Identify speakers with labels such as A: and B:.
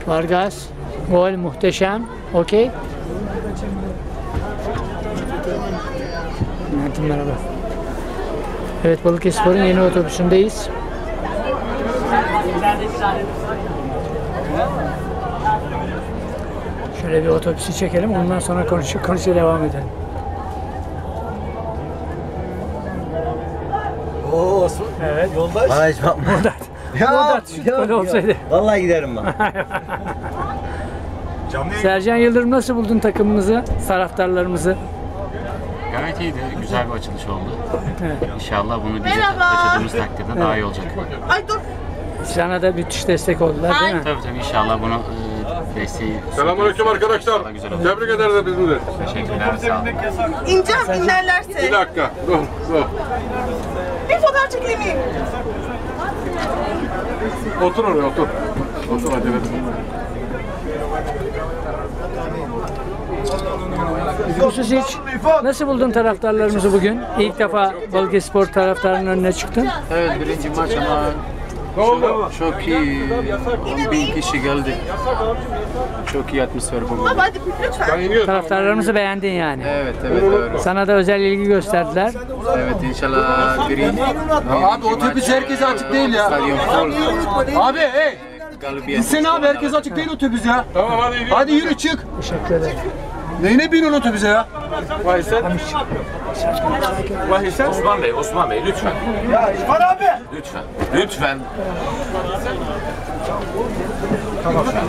A: Vargas. Gol muhteşem. Okey. Merhaba. Evet, Balıkesirspor'un yeni otobüsündeyiz. Şöyle bir otobüsü çekelim, ondan sonra konuşuya devam edelim.
B: Oo Osman.
A: Evet.
B: Yoldaş. Bana hiç bakma.
A: Böyle olsaydı.
B: Vallahi giderim ben.
A: Sercan Yıldırım, nasıl buldun takımımızı, taraftarlarımızı?
C: Gayet iyiydi. Güzel bir açılış oldu.
A: Evet.
C: İnşallah bunu bize taşıdığımız takdirde daha iyi olacak.
D: Ay dur.
A: Sana da müthiş destek oldular değil mi?
C: Tabii inşallah bunu desteği...
E: Selamünaleyküm arkadaşlar. Tebrik ederiz bizim de.
C: Teşekkürler. Sağ olun.
D: İneceğim inerlerse.
E: Bir dakika. Dur.
D: Bir fotoğraf çekeyim mi?
E: Otur oraya otur. Otur hadi.
A: Hususic, nasıl buldun taraftarlarımızı bugün? İlk defa Balıkesirspor taraftarının önüne çıktın.
F: Evet, birinci maç ama çok iyi. 10.000 kişi geldi. Çok iyi atmosfer bugün.
D: Baba hadi lütfen.
A: Taraftarlarımızı beğendin yani.
F: Evet, doğru.
A: Sana da özel ilgi gösterdiler.
F: Evet, inşallah birinci.
B: Abi otobüs herkese açık değil ya.
F: Stadyum full.
B: Abi hey.
F: Galibiyet.
B: İnsene abi, herkes açık değil otobüs ya.
E: Tamam hadi gidiyoruz.
B: Hadi yürü çık.
A: Teşekkür ederim.
B: Neyine biniyorsun otobüse ya?
G: Osman Bey lütfen.
B: Ya İrfan abi.
G: Lütfen.